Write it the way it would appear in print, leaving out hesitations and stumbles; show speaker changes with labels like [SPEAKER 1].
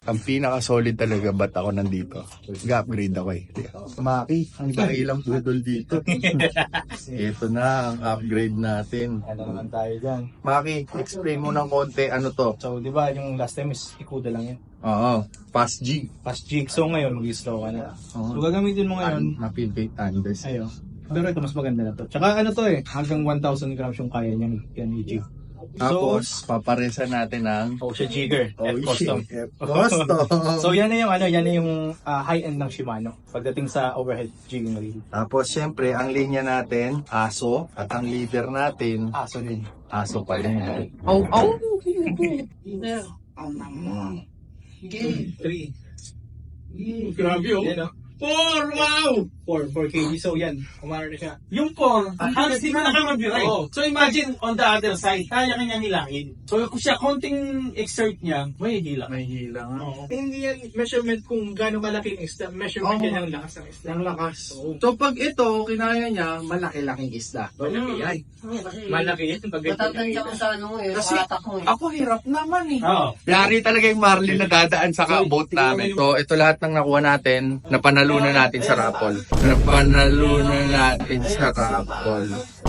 [SPEAKER 1] Ang pinaka-solid talaga ba't ako nandito? Nag-upgrade ako eh. Maki, ang ilang budol dito. Ito na ang upgrade natin.
[SPEAKER 2] Ano naman tayo dyan.
[SPEAKER 1] Maki, explain mo ng konti ano to.
[SPEAKER 2] So, di ba yung last time is ikuda lang yun.
[SPEAKER 1] Oo, fast G.
[SPEAKER 2] Fast jig. So, ngayon, mag-slow ka na.
[SPEAKER 1] Oo.
[SPEAKER 2] So, gagamitin mo ngayon.
[SPEAKER 1] Mapilpate Andes.
[SPEAKER 2] Ayo. Pero ito, mas maganda na to. Tsaka ano to eh, hanggang 1,000 grams yung kaya niya yan i-jig.
[SPEAKER 1] Tapos, paparesa natin ng
[SPEAKER 2] Ocean Jigger. F Custom.
[SPEAKER 1] Custom.
[SPEAKER 2] So, yan na yung, yan na yung high-end ng Shimano pagdating sa overhead jigging reel.
[SPEAKER 1] Tapos, syempre, ang linya natin, aso. At ang leader natin,
[SPEAKER 2] Aso din.
[SPEAKER 1] aso pa rin.
[SPEAKER 2] Oh, oh! 3.
[SPEAKER 3] Grabe oh.
[SPEAKER 2] Yan,
[SPEAKER 3] 4! Wow!
[SPEAKER 2] 4 kg. So, yan. Kumara na siya.
[SPEAKER 3] Yung 4, halos di mo nakamag-right.
[SPEAKER 2] Oo.
[SPEAKER 3] So imagine on the other side, kaya kanya nilangin. So kung siya konting exert niya, may hila.
[SPEAKER 1] May hila nga.
[SPEAKER 3] Oo. Hindi yan measurement kung gaano kalaki yung isda. Measurement yan ng lakas ng isda.
[SPEAKER 1] Ang lakas.
[SPEAKER 3] Oo.
[SPEAKER 1] So, pag ito, kinaya niya, malaki-laking isda.
[SPEAKER 3] Malaki yan. Malaki yan.
[SPEAKER 4] Matatanda ko sa ano eh,
[SPEAKER 1] Kasi
[SPEAKER 4] bata ko eh.
[SPEAKER 1] ako hirap naman eh.
[SPEAKER 3] Oo.
[SPEAKER 1] Yari talaga yung Marlin na dadaan sa boat namin. So, ito lahat ng nakuha natin, napanalunan natin sa raffle. Napanalunan natin sa raffle.